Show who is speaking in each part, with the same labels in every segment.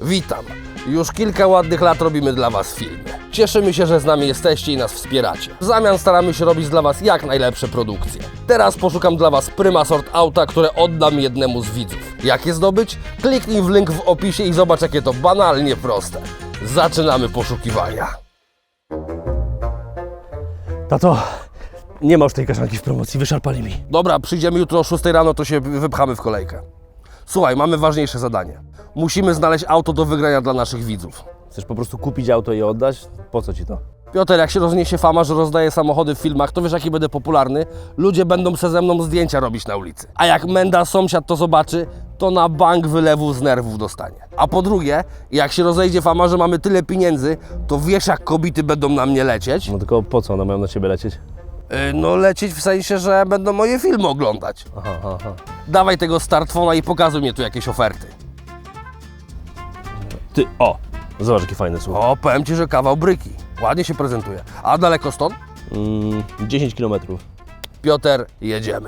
Speaker 1: Witam. Już kilka ładnych lat robimy dla Was filmy. Cieszymy się, że z nami jesteście i nas wspieracie. W zamian staramy się robić dla Was jak najlepsze produkcje. Teraz poszukam dla Was prima sort auta, które oddam jednemu z widzów. Jak je zdobyć? Kliknij w link w opisie i zobacz, jakie to banalnie proste. Zaczynamy poszukiwania.
Speaker 2: Tato, nie ma już tej kaszanki w promocji, wyszarpali mi.
Speaker 1: Dobra, przyjdziemy jutro o 6 rano, to się wypchamy w kolejkę. Słuchaj, mamy ważniejsze zadanie. Musimy znaleźć auto do wygrania dla naszych widzów.
Speaker 2: Chcesz po prostu kupić auto i oddać? Po co ci to?
Speaker 1: Piotr, jak się rozniesie fama, że rozdaję samochody w filmach, to wiesz, jaki będę popularny? Ludzie będą se ze mną zdjęcia robić na ulicy. A jak Menda sąsiad to zobaczy, to na bank wylewów z nerwów dostanie. A po drugie, jak się rozejdzie fama, że mamy tyle pieniędzy, to wiesz, jak kobiety będą na mnie lecieć?
Speaker 2: No tylko po co one mają na ciebie lecieć?
Speaker 1: No lecieć w sensie, że będą moje filmy oglądać.
Speaker 2: Aha.
Speaker 1: Dawaj tego smartfona i pokazuj mi tu jakieś oferty.
Speaker 2: Ty, o! Zobacz, jaki fajny słuch.
Speaker 1: O, powiem Ci, że kawał bryki. Ładnie się prezentuje. A daleko stąd?
Speaker 2: 10 km.
Speaker 1: Piotr, jedziemy.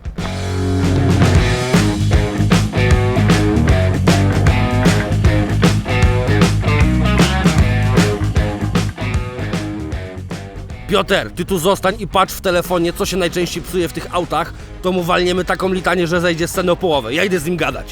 Speaker 1: Piotr, ty tu zostań i patrz w telefonie, co się najczęściej psuje w tych autach, to mu walniemy taką litanię, że zejdzie z sceny o połowę. Ja idę z nim gadać.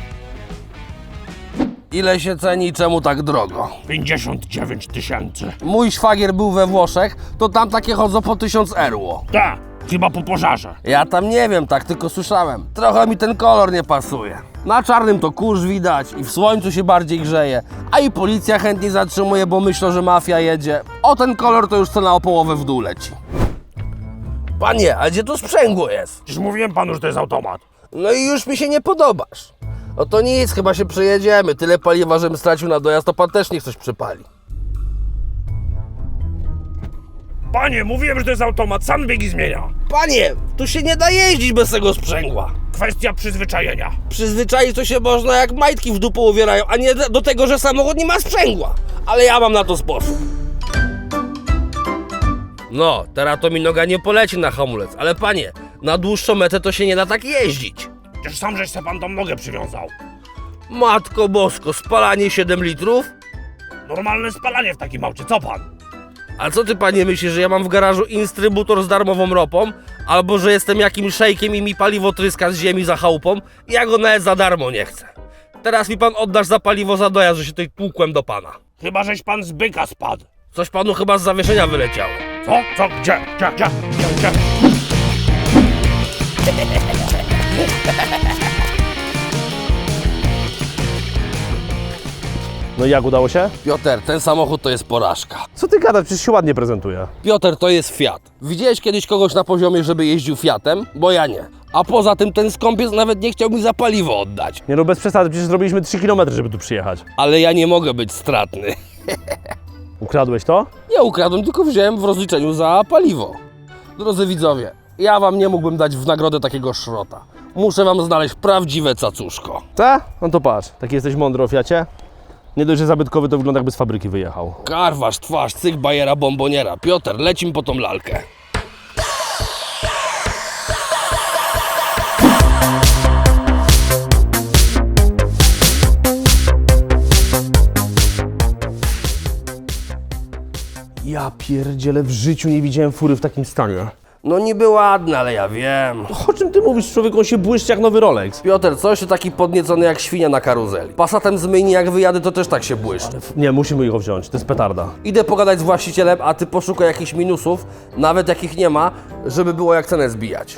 Speaker 1: Ile się ceni i czemu tak drogo?
Speaker 3: 59 000.
Speaker 1: Mój szwagier był we Włoszech, to tam takie chodzą po 1000 euro.
Speaker 3: Tak, chyba po pożarze.
Speaker 1: Ja tam nie wiem, tak tylko słyszałem. Trochę mi ten kolor nie pasuje. Na czarnym to kurz widać i w słońcu się bardziej grzeje. A i policja chętnie zatrzymuje, bo myślą, że mafia jedzie. O ten kolor to już cena o połowę w dół leci. Panie, a gdzie tu sprzęgło jest?
Speaker 3: Przecież mówiłem panu, że to jest automat.
Speaker 1: No i już mi się nie podobasz. No to nic, chyba się przejedziemy. Tyle paliwa, żebym stracił na dojazd, to pan też niech coś przypali.
Speaker 3: Panie, mówiłem, że to jest automat, sam biegi zmienia.
Speaker 1: Panie, tu się nie da jeździć bez tego sprzęgła.
Speaker 3: Kwestia przyzwyczajenia.
Speaker 1: Przyzwyczaić to się można, jak majtki w dupę uwierają, a nie do tego, że samochód nie ma sprzęgła. Ale ja mam na to sposób. No, teraz to mi noga nie poleci na hamulec, ale panie, na dłuższą metę to się nie da tak jeździć.
Speaker 3: Przecież sam żeś se pan tą nogę przywiązał.
Speaker 1: Matko bosko, spalanie 7 litrów?
Speaker 3: Normalne spalanie w takim aucie, co pan?
Speaker 1: A co ty, panie, myślisz, że ja mam w garażu instrybutor z darmową ropą? Albo że jestem jakimś szejkiem i mi paliwo tryska z ziemi za chałupą? Ja go nawet za darmo nie chcę. Teraz mi pan oddasz za paliwo za dojazd, że się tutaj tłukłem do pana.
Speaker 3: Chyba żeś pan z byka spadł.
Speaker 1: Coś panu chyba z zawieszenia wyleciało.
Speaker 3: Co? Co? Gdzie?
Speaker 2: No i jak, udało się?
Speaker 1: Piotr, ten samochód to jest porażka.
Speaker 2: Co ty gadasz? Przecież się ładnie prezentuje.
Speaker 1: Piotr, to jest Fiat. Widziałeś kiedyś kogoś na poziomie, żeby jeździł Fiatem? Bo ja nie. A poza tym ten skąpiec nawet nie chciał mi za paliwo oddać.
Speaker 2: Nie no, bez przesady, przecież zrobiliśmy 3 km, żeby tu przyjechać.
Speaker 1: Ale ja nie mogę być stratny.
Speaker 2: Ukradłeś to?
Speaker 1: Nie ukradłem, tylko wziąłem w rozliczeniu za paliwo. Drodzy widzowie, ja wam nie mógłbym dać w nagrodę takiego szrota. Muszę wam znaleźć prawdziwe cacuszko.
Speaker 2: Ta? No to patrz, taki jesteś mądry o Fiacie. Nie dość, że zabytkowy, to wygląda, jakby z fabryki wyjechał.
Speaker 1: Karwasz, twarz, cyk, bajera, bomboniera. Piotr, lecim po tą lalkę.
Speaker 2: Ja pierdzielę, w życiu nie widziałem fury w takim stanie.
Speaker 1: No niby ładne, ale ja wiem.
Speaker 2: O czym ty mówisz, człowieku? On się błyszczy jak nowy Rolex.
Speaker 1: Piotr, coś ty taki podniecony jak świnia na karuzeli. Passatem z myjni jak wyjadę, to też tak się błyszczy.
Speaker 2: Nie, musimy go wziąć, to jest petarda.
Speaker 1: Idę pogadać z właścicielem, a ty poszukaj jakichś minusów, nawet jakich nie ma, żeby było jak cenę zbijać.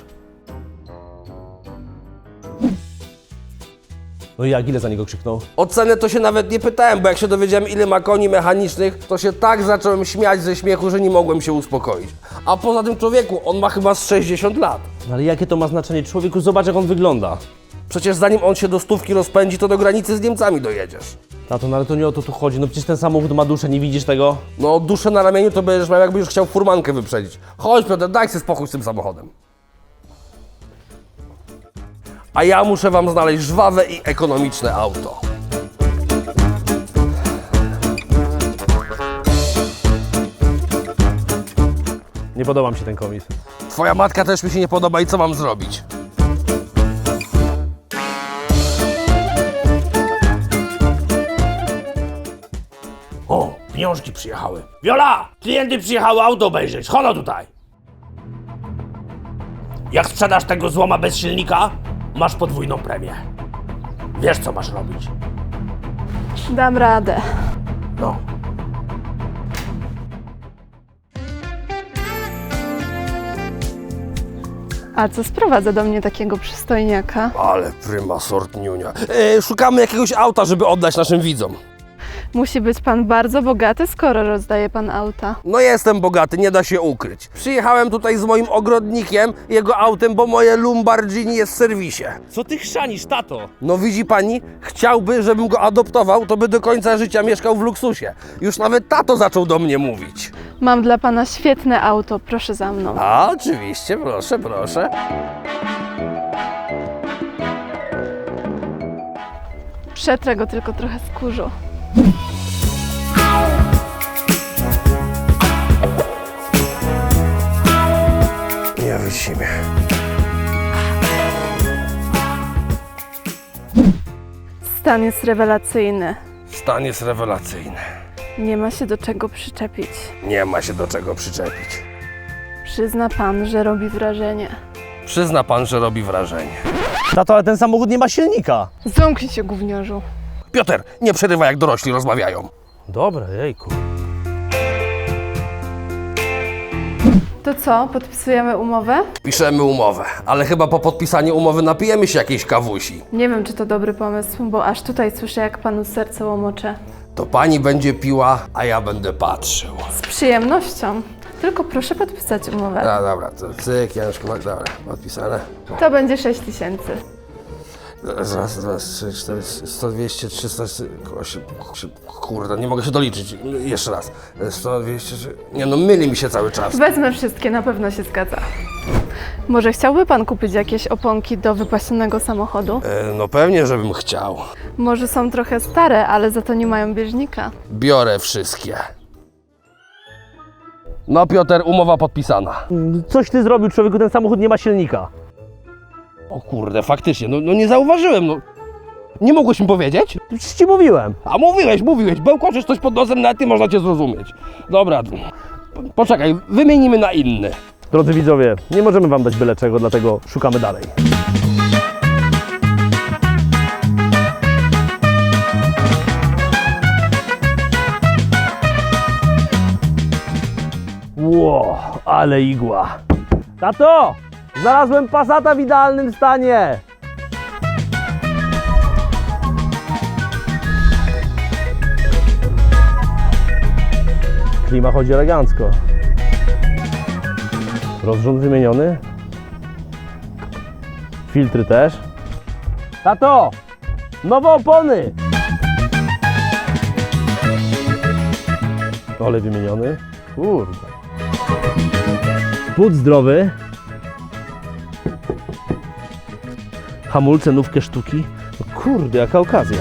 Speaker 2: No i jak, ile za niego krzyknął?
Speaker 1: O cenę to się nawet nie pytałem, bo jak się dowiedziałem, ile ma koni mechanicznych, to się tak zacząłem śmiać ze śmiechu, że nie mogłem się uspokoić. A poza tym, człowieku, on ma chyba z 60 lat.
Speaker 2: No ale jakie to ma znaczenie? Człowieku, zobacz, jak on wygląda.
Speaker 1: Przecież zanim on się do 100 rozpędzi, to do granicy z Niemcami dojedziesz.
Speaker 2: Tato, no ale to nie o to tu chodzi. No przecież ten samochód ma duszę, nie widzisz tego?
Speaker 1: No duszę na ramieniu to będziesz miał, jakbyś chciał furmankę wyprzedzić. Chodź, Piotr, daj sobie spokój z tym samochodem. A ja muszę wam znaleźć żwawe i ekonomiczne auto.
Speaker 2: Nie podoba mi się ten komis.
Speaker 1: Twoja matka też mi się nie podoba i co mam zrobić?
Speaker 3: Pieniążki przyjechały. Wiola! Klienty przyjechały auto obejrzeć. Chodź tutaj. Jak sprzedasz tego złoma bez silnika, masz podwójną premię. Wiesz, co masz robić.
Speaker 4: Dam radę.
Speaker 3: No.
Speaker 4: A co sprowadza do mnie takiego przystojniaka?
Speaker 1: Ale prima sort niunia. Szukamy jakiegoś auta, żeby oddać naszym widzom.
Speaker 4: Musi być pan bardzo bogaty, skoro rozdaje pan auta.
Speaker 1: No jestem bogaty, nie da się ukryć. Przyjechałem tutaj z moim ogrodnikiem, jego autem, bo moje Lamborghini jest w serwisie.
Speaker 2: Co ty chrzanisz, tato?
Speaker 1: No widzi pani, chciałby, żebym go adoptował, to by do końca życia mieszkał w luksusie. Już nawet tato zaczął do mnie mówić.
Speaker 4: Mam dla pana świetne auto, proszę za mną.
Speaker 1: A, oczywiście, proszę, proszę.
Speaker 4: Przetrę go tylko trochę z kurzu.
Speaker 1: Nie wycimie.
Speaker 4: Stan jest rewelacyjny.
Speaker 1: Stan jest rewelacyjny.
Speaker 4: Nie ma się do czego przyczepić.
Speaker 1: Nie ma się do czego przyczepić.
Speaker 4: Przyzna pan, że robi wrażenie.
Speaker 1: Przyzna pan, że robi wrażenie.
Speaker 2: Tato, ale ten samochód nie ma silnika.
Speaker 4: Zamknij się, gówniarzu.
Speaker 1: Piotr, nie przerywaj, jak dorośli rozmawiają.
Speaker 2: Dobra, jejku.
Speaker 4: To co, podpisujemy umowę?
Speaker 1: Piszemy umowę, ale chyba po podpisaniu umowy napijemy się jakiejś kawusi.
Speaker 4: Nie wiem, czy to dobry pomysł, bo aż tutaj słyszę, jak panu serce łomocze.
Speaker 1: To pani będzie piła, a ja będę patrzył.
Speaker 4: Z przyjemnością. Tylko proszę podpisać umowę.
Speaker 1: A, dobra, to cyk, Januszku, dobra, podpisane.
Speaker 4: To będzie 6 000.
Speaker 1: Raz, dwa, trzy, 4, 100, 200, 300, 8, kurde, nie mogę się doliczyć. Jeszcze raz. 100, 200, nie no, myli mi się cały czas.
Speaker 4: Wezmę wszystkie, na pewno się zgadza. Może chciałby pan kupić jakieś oponki do wypasionego samochodu?
Speaker 1: No pewnie, żebym chciał.
Speaker 4: Może są trochę stare, ale za to nie mają bieżnika.
Speaker 1: Biorę wszystkie. No Piotr, umowa podpisana.
Speaker 2: Coś ty zrobił, człowieku, ten samochód nie ma silnika.
Speaker 1: O kurde, faktycznie, no nie zauważyłem, no. Nie mogłeś mi powiedzieć?
Speaker 2: Już ci mówiłem.
Speaker 1: A mówiłeś, bełkoczysz coś pod nosem, nawet nie można cię zrozumieć. Dobra, poczekaj, wymienimy na inny.
Speaker 2: Drodzy widzowie, nie możemy wam dać byle czego, dlatego szukamy dalej. Ło, ale igła. Tato, znalazłem Passata w idealnym stanie. Klima chodzi elegancko. Rozrząd wymieniony. Filtry też. Tato! Nowe opony! Olej wymieniony. Kurde. Spód zdrowy. Hamulce, nówkę sztuki. No kurde, jaka okazja.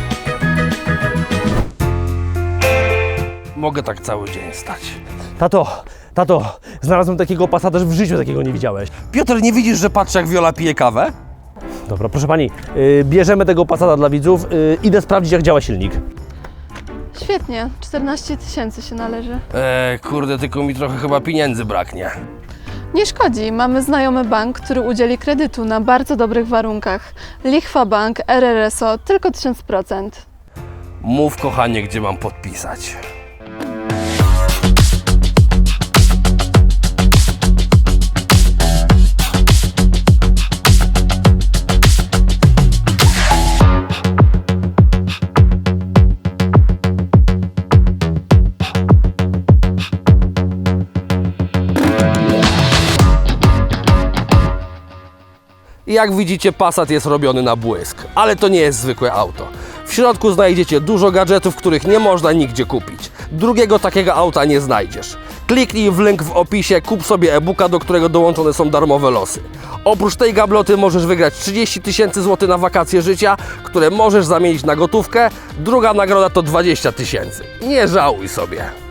Speaker 1: Mogę tak cały dzień stać.
Speaker 2: Tato, znalazłem takiego Passata, że w życiu takiego nie widziałeś.
Speaker 1: Piotr, nie widzisz, że patrzę, jak Wiola pije kawę?
Speaker 2: Dobra, proszę pani, bierzemy tego Passata dla widzów. Idę sprawdzić, jak działa silnik.
Speaker 4: Świetnie, 14 000 się należy.
Speaker 1: Kurde, tylko mi trochę chyba pieniędzy braknie.
Speaker 4: Nie szkodzi, mamy znajomy bank, który udzieli kredytu na bardzo dobrych warunkach. Lichwa Bank, RRSO, tylko 1000%.
Speaker 1: Mów, kochanie, gdzie mam podpisać. Jak widzicie, Passat jest robiony na błysk, ale to nie jest zwykłe auto. W środku znajdziecie dużo gadżetów, których nie można nigdzie kupić. Drugiego takiego auta nie znajdziesz. Kliknij w link w opisie, kup sobie e-booka, do którego dołączone są darmowe losy. Oprócz tej gabloty możesz wygrać 30 000 złotych na wakacje życia, które możesz zamienić na gotówkę. Druga nagroda to 20 000. Nie żałuj sobie.